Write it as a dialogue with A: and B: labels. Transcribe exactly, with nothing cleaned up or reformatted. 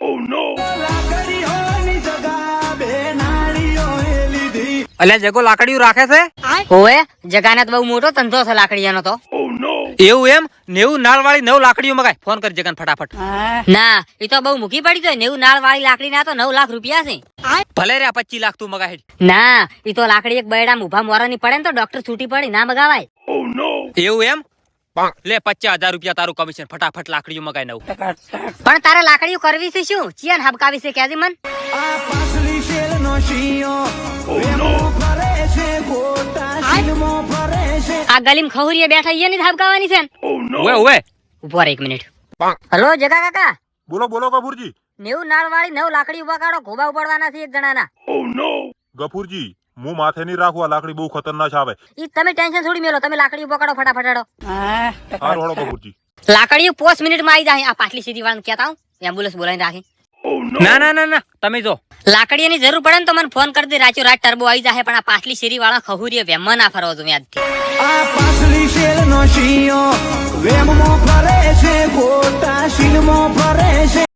A: અલ્યા જગો લાકડીઓ રાખે છે?
B: ઓએ જગાને તો બહુ મોટો ધંધો છે લાકડીયાનો તો.
A: એવું એમ? નેવું નાળ વાળી નવ લાકડીઓ મગાય. ફોન કરી જગન ફટાફટ.
B: ના એ તો બહુ મૂકી પડી તો નેવું નાળ વાળી લાકડી ના તો નવ લાખ રૂપિયા છે.
A: ભલે રે પચીસ લાખ તું મગાય.
B: ના એ તો લાકડી એક બૈડા ઉભા મોરાની પડે ને તો ડોક્ટર છૂટી પડી ના મગાવાય.
A: એવું એમ? લે પચાસ હજાર રૂપિયા તારું કમિશન. ફટાફટ લાકડીઓ મગાય નવ.
B: પણ તારે લાકડીઓ કરવી છે શું? ચિયન હબકાવી છે કેજી મન? આ ગલીમ ખહુરીએ બેઠા ઈયે ની હબકાવાની છે.
A: ઓએ ઓએ
B: ઉભો રહે એક મિનિટ. હલો જગા કાકા.
C: બોલો બોલો ગફુરજી.
B: નેવું નાળ વાળી નવ લાકડી ઉભા કાઢો. ઘોબા ઉપાડવાના છે એક જણાના.
C: ગફુરજી હું માથે નહીં રાખવા, લાકડી બહુ ખતરનાક આવે.
B: ઈ તમે ટેન્શન છોડી મેલો. તમે લાકડી ઉભા કાઢો ફટાફટ હેડો.
C: હા રોડો ગફુરજી.
B: લાકડીઓ પાંચ મિનિટ માં આવી જાય. આ પાટલી સીધી વાળાને કહેતા હું એમ્બ્યુલન્સ બોલાવીને રાખી.
A: ના ના ના ના તમે જો
B: લાકડીની જરૂર પડે ને તો મને ફોન કરી દે. રાચો રાત ટર્બો આવી જાય. પણ આ પાટલી શેરી વાળા ખહુરીએ વેમમાં ના ફરવા દો યાદ.
D: આ પાસલી શેર નો શિયો વેમમાં ફરે છે, ખોટા શીલમાં ફરે છે.